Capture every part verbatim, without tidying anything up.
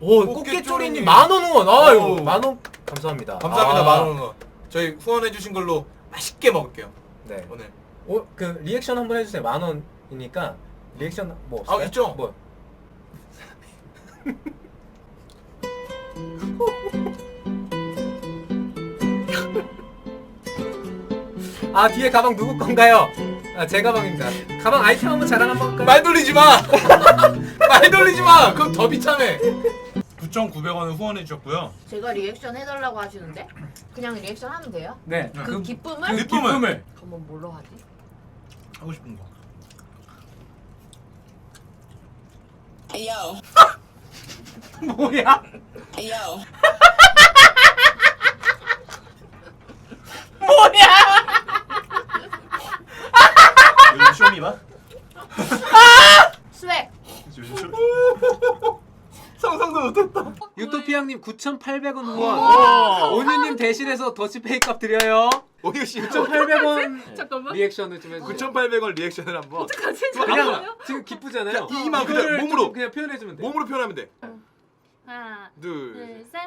오 꽃게쪼리님 만원 후원. 아유 만원 감사합니다. 감사합니다. 아. 만원 후원. 저희 후원해주신 걸로 맛있게 먹을게요. 네. 오늘. 오 그 리액션 한번 해주세요. 만 원이니까 리액션 뭐 없어요? 아 있죠. 뭐? 아 뒤에 가방 누구 건가요? 아 제 가방입니다. 가방 아이템 한번 자랑 한번 할까요? 말 돌리지 마. 말 돌리지 마. 그럼 더 비참해. 구천구백 원을 후원해 주셨고요. 제가 리액션 해달라고 하시는데 그냥 리액션 하면 돼요? 네. 그, 그 기쁨을? 그 기쁨을. 기쁨을. 그러면 뭘로 하지? 하고 싶은 거. Yo, 뭐야? yo. 요즘 쇼미봐? 스웩! 요즘 쇼 상상도 못했다. 유토피아님 구천팔백 원 후원. 온유님 대신해서 더치페이 값 드려요. 오유 씨. 구천팔백 원 잠깐만. 리액션을 좀 해주세요. 구천팔백 원 리액션을 한번. 어떡하지? 그냥 잠깐만요. 지금 기쁘잖아요. 그냥 이만 그냥 이거를 몸으로. 좀 그냥 표현해주면 돼. 몸으로 표현하면 돼. 하나, 둘. 둘, 셋.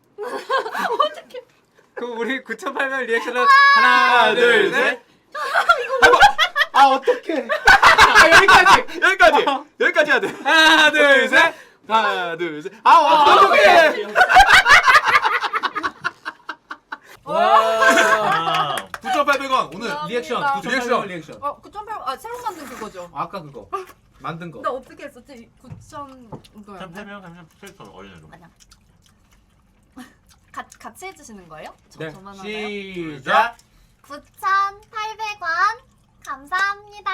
그럼 우리 구천팔백 원 리액션을 하나, 둘, 셋. 아 어떡해. 아, 여기까지. 여기까지. 여기까지 해야 돼. 하나, 둘, 셋. 하나 둘 셋. 아 어떡해. 와. 구천팔백 원 오늘 리액션. 감사합니다. 구천팔백 원 리액션. 어, 구천팔백 원, 아, 새로 만든 그거죠? 아까 그거 만든 거. 나 어떻게 했었지? 구천 이거야. 템템이랑 감사 캐릭터 어린애로. 아니야. 가, 같이 해주시는 거예요? 저, 네. 저만 하나요? 시작. 구천팔백 원 감사합니다.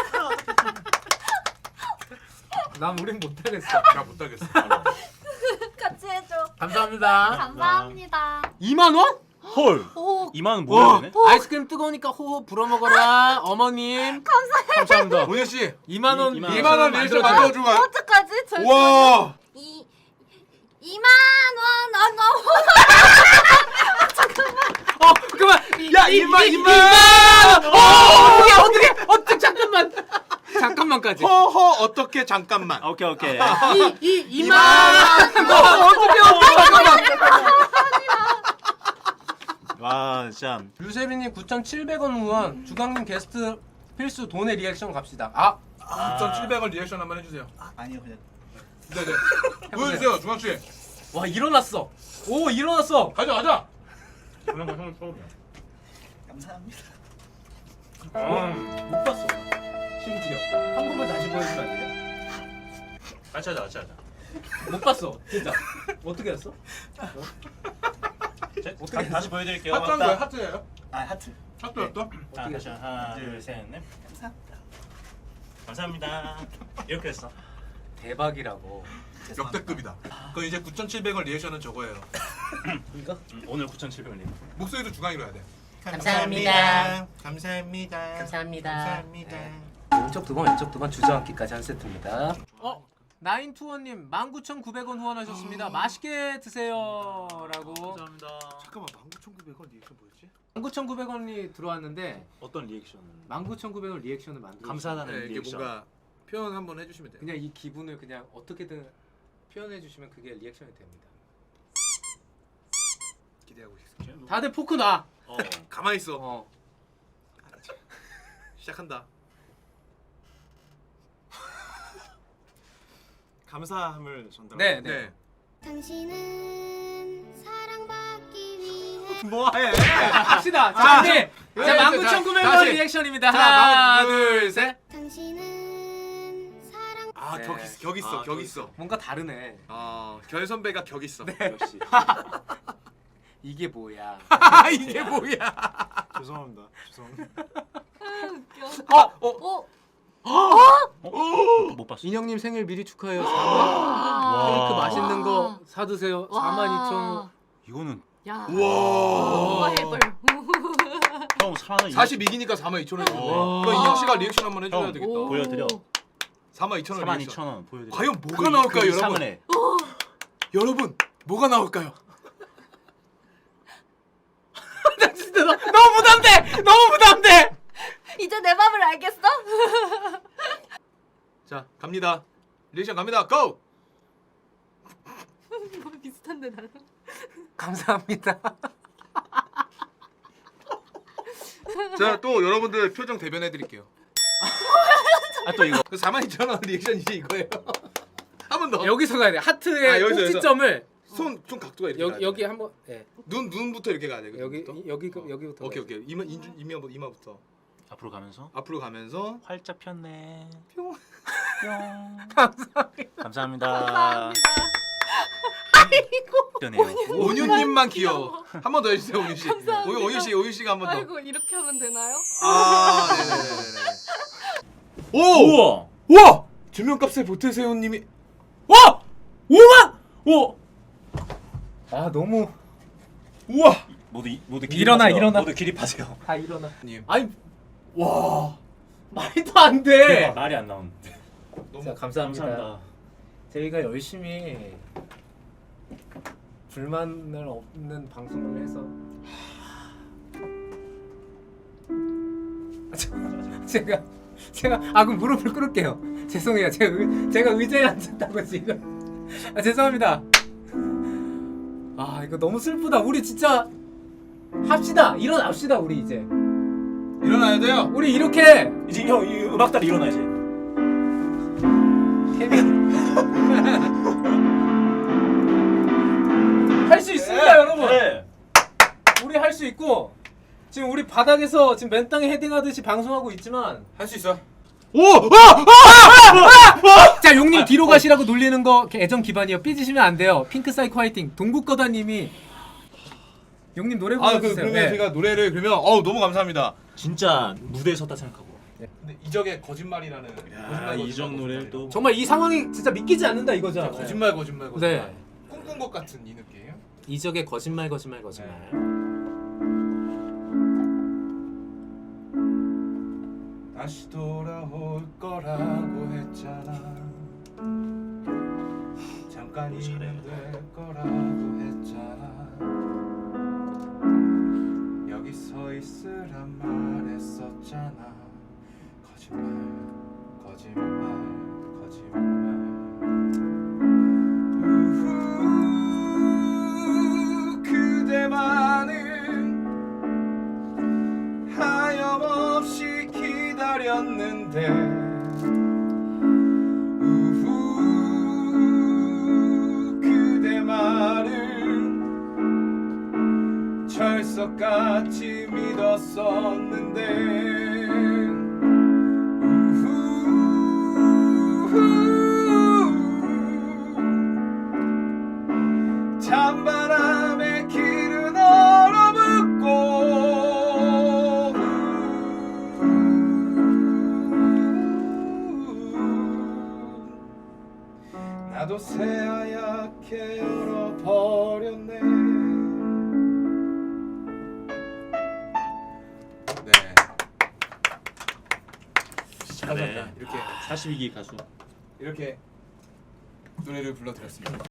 난 우린 못하겠어. 나 못하겠어. 같이 해줘. 감사합니다. 감사합니다. 이만 원? 헐. 오, 이만 원 뭐야 되네? 아이스크림 뜨거우니까 호호 불어먹어라. 어머님. 감사합니다. 오늘 씨. 이만 원. 이- 이만 이만 원 리액션 만들어 준 거야. 어떡하지? 저 와. 이 이만 원 아, 너무 어 그만. 야, 이만, 이만! 어 어떻게 어떻게 어떻게 잠깐만. 잠깐만까지. 허허 어떻게 잠깐만. 오케이 오케이. 이이 이만. 어 어떻게 어떻게 잠깐만. 와 진짜. 유세빈님 구천칠백 원 후원. 주강님 게스트 필수 돈의 리액션 갑시다. 아 구천칠백 원 리액션 한번 해주세요. 아니요 그냥. 네네. 보여주세요 중학 씨. 와 일어났어. 오 일어났어. 가자 가자. 그런 거 형은 처음이야. 감사합니다. 못 봤어. 심지어 한 번만 다시 보여주면 안 돼요? 같이 하자 같이 하자. 못 봤어. 진짜. 어떻게 했어? 제- 어떻게 다- 했어? 다시 보여드릴게요. 하트한 거야 하트예요? 아 하트. 하트였어? 자, 다시 하나 둘셋넷 감사합니다. 감사합니다. 이렇게 했어. 대박이라고. 역대급이다. 그럼 이제 구천칠백 원 리액션은 저거예요. 이거? 음, 오늘 구천칠백 원. 목소리도 중앙이로 해야 돼. 감사합니다. 감사합니다. 감사합니다. 감사합니다. 왼쪽 두 번, 왼쪽 두 번 주저앉기까지 한 세트입니다. 어? 나인투원님 만 구천구백 원 후원하셨습니다. 맛있게 드세요라고. 감사합니다. 잠깐만 만 구천구백 원 리액션 뭐였지? 만 구천구백 원이 들어왔는데 어떤 리액션? 만 구천구백 원 리액션을 만들어. 감사하다는 네, 이게 리액션. 뭔가 표현 한번 해주시면 돼요. 그냥 이 기분을 그냥 어떻게든 표현해 주시면 그게 리액션이 됩니다. 기대하고 있겠습니다. 다들 포크 놔. 어. 가만히 있어. 어. 시작한다. 감사함을 전달. 네, 네. 네. 당신은 사랑받기 위해 뭐해? 합시다. 자, 자, 이제 자, 자, 자, 만 구천구백 원 다시. 리액션입니다. 자, 하나, 만- 둘, 셋. 당신은 사랑 아, 네. 격 있어. 격 있어. 아, 격 격 있어. 뭔가 다르네. 어, 결 선배가 격 있어. 역시. 이게 뭐야? 아, 이게 뭐야? 죄송합니다. 죄송합니다. 어, 어. 오, 못 봤어. 인형님 생일 미리 축하해요. 사만 와. 케이크 맛있는 거 사드세요. 사만 이천 원. 이거는 야. 우와. 해볼. 형 사만 원. 사십이기니까 사만 이천 원. 와. 그럼 인형 씨가 리액션 한번 해줘야 형, 되겠다. 오. 보여드려. 사만 이천 원 사만 리액션. 이천 원 보여드려. 과연 뭐가 나올까요, 여러분? 사만에. 여러분, 뭐가 나올까요? 나 진짜 너, 너무 부담돼. 너무 부담돼. 이제 내 맘을 알겠어? 자, 갑니다. 리액션 갑니다. 고! 하는데 나는. 감사합니다. 자, 또 여러분들 표정 대변해 드릴게요. 아 또 이거. 그 사만 이천 원 리액션 이제 이거예요. 한 번 더. 여기서 가야 돼. 하트의 아, 여기서, 꼭지점을 손, 손 각도가 이렇게. 여기 가야 돼. 여기 한번 예. 눈 눈부터 이렇게 가야 돼. 여기 눈부터. 여기 어. 여기부터. 오케이 가야지. 오케이. 이마 인중 이마부터 이마부터 앞으로 가면서 앞으로 가면서 활짝 폈네. 뿅. 뿅. 감사합니다. 감사합니다. 감사합니다. 네 온유님만 귀여워. 한 번 더 해주세요, 온유 씨. 감사합니다. 오유 온유 씨, 오유 씨가 한 번 더. 아이고 이렇게 하면 되나요? 아, 네네네네. 오, 우와. 우와, 조명값에 보태세요님이. 와! 오만! 오! 아 너무 우와, 모두 이- 모두 일어나, 기립하세요. 일어나. 모두 기립하세요. 다 일어나. 님. 아니 와 말도 안 돼. 말이 안 나오는데. 자, 감사합니다. 감사합니다. 저희가 열심히 불만을 없는 방송을 해서 제가 제가 아 그럼 무릎을 꿇을게요. 죄송해요. 제가 의, 제가 의자에 앉았다고 지금. 아 죄송합니다. 아 이거 너무 슬프다. 우리 진짜 합시다. 일어납시다 우리 이제. 일어나야 돼요. 우리 이렇게 이제 형 이 음악다리 일어나 이제. 케빈 할 수 있습니다 여러분. 네. 우리 할 수 있고 지금 우리 바닥에서 지금 맨 땅에 헤딩하듯이 방송하고 있지만 할 수 있어. 오, 아, 자 용님 뒤로 가시라고 놀리는 거 애정 기반이요. 삐지시면 안 돼요. 핑크 사이코 화이팅. 동국거다님이 용님 노래 아, 그 불러주세요. 그러면 네. 제가 노래를 그러면 어우 너무 감사합니다. 진짜 무대에 섰다 생각하고. 근데 이적의 거짓말이라는 거짓말, 이적 거짓말, 노래를 거짓말. 또 정말 이 상황이 진짜 믿기지 않는다 이거죠. 진짜 거짓말 거짓말 거짓말. 네. 꿈꾼 것 같은 이 느낌. 이적의 거짓말 거짓말 거짓말. 다시 돌아올 거라고 했잖아. 잠깐이면 될 거라고 했잖아. 여기 서 있으란 말했었잖아. 거짓말, 거짓말, 거짓말. 우후, 그대만은 하염없이 기다렸는데 우후 그대 말을 철석같이 믿었었는데 우후 찬바람에 길은 얼어붙고 나도 새하얗게 얼어버렸네. 네. 잘해. 이렇게 사십이 기 가수. 이렇게 노래를 불러드렸습니다.